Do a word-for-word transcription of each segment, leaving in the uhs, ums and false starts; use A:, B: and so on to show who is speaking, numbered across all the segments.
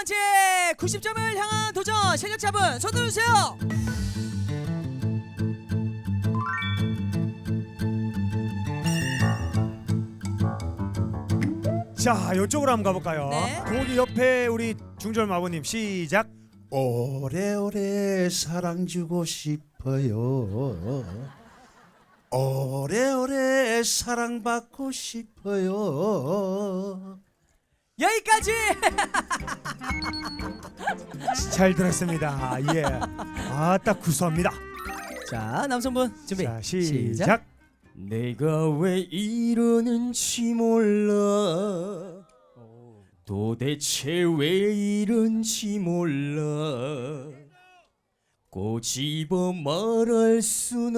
A: 번째 구십 점을 향한 도전 실력자분 손 들어주세요.
B: 자, 이쪽으로 한번 가볼까요?
A: 네.
B: 거기 옆에 우리 중절 마부님 시작.
C: 오래오래 사랑 주고 싶어요. 오래오래 사랑받고 싶어요.
A: 여기까지.
B: 잘 들었습니다. 예. 아따 구수합니다.
A: 자, 남성분 준비.
B: 자, 시작.
D: 내가 왜 이러는지 몰라 도대체 왜 이런지 몰라 꼬집어 말할 순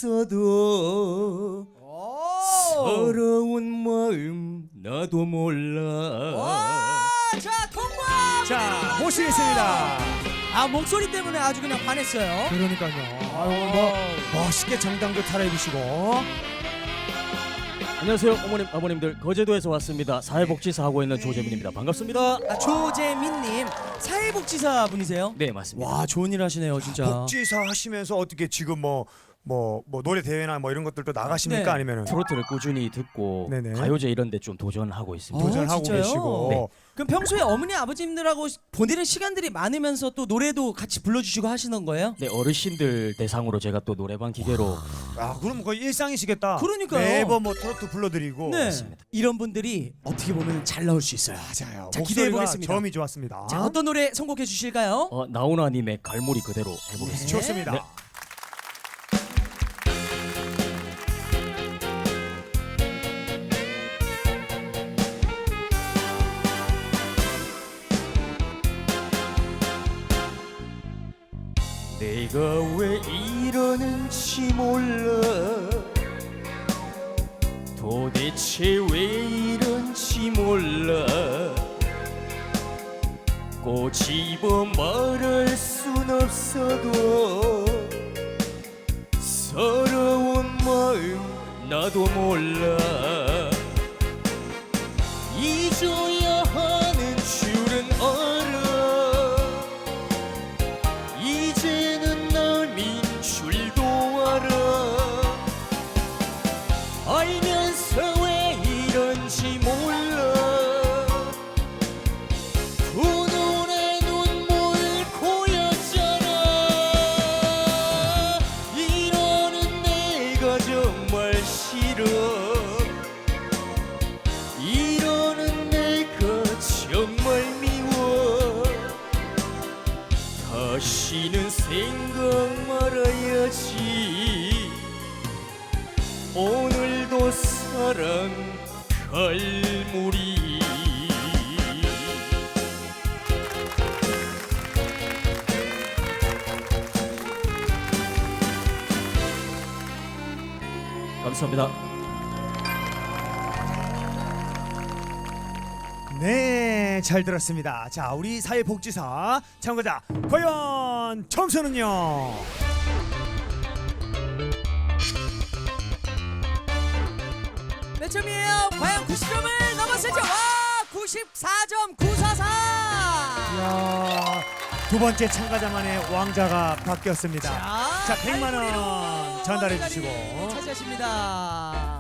D: 없어도 서러운 마음 나도 몰라.
A: 와, 자, 통과.
B: 자, 모시겠습니다.
A: 아, 목소리 때문에 아주 그냥 반했어요.
B: 그러니까요. 아유, 뭐 멋있게 정당도 차려입으시고.
D: 안녕하세요 어머님 아버님들, 거제도에서 왔습니다. 사회복지사 하고 있는 조재민입니다. 반갑습니다.
A: 아, 조재민님 사회복지사 분이세요?
D: 네 맞습니다.
A: 와, 좋은 일 하시네요 진짜.
B: 복지사 하시면서 어떻게 지금 뭐 뭐 뭐 노래 대회나 뭐 이런 것들도 나가십니까?
A: 네.
B: 아니면은
D: 트로트를 꾸준히 듣고
B: 네네.
D: 가요제 이런 데 좀 도전하고 있습니다.
A: 어,
B: 도전하고
A: 진짜요?
B: 계시고.
D: 네.
A: 그럼 평소에 어머니 아버님들하고 보내는 시간들이 많으면서 또 노래도 같이 불러주시고 하시는 거예요?
D: 네, 어르신들 대상으로 제가 또 노래방 기계로
B: 아, 그럼 거의 일상이시겠다.
A: 그러니까요.
B: 매번 뭐 트로트 불러드리고.
A: 네. 이런 분들이 어떻게 보면 잘 나올 수 있어요.
B: 맞아요.
A: 자, 기대해
B: 목소리가
A: 보겠습니다.
B: 점이 좋았습니다.
A: 자, 어떤 노래 선곡해 주실까요?
D: 어, 나훈아님의 갈무리 그대로 해보겠습니다.
B: 좋습니다.
D: 네. 내가 왜 이러는지 몰라 도대체 왜 이런지 몰라 꼬집어 말할 순 없어도 서러운 마음 나도 몰라 잊어야 하는 줄은 알아 이제는 남인 줄도 알아 알면서 왜 이런지 몰라 두 눈에 눈물 고였잖아 이러는 내가 정말 싫어 이러는 내가 정말 미워 다시는 생각 말아야지 오늘도 사랑 갈무리 감사합니다.
B: 네, 잘 들었습니다. 자, 우리 사회복지사 참가자 과연 점수는요?
A: 몇 점이에요? 과연 구십 점을 넘었을지. 와, 구십사 점 구사사.
B: 이야, 두 번째 참가자만의 왕자가 바뀌었습니다.
A: 자,
B: 자, 백만 원
A: 갈무리로
B: 전달해
A: 이 자리
B: 주시고.
A: 차지하십니다.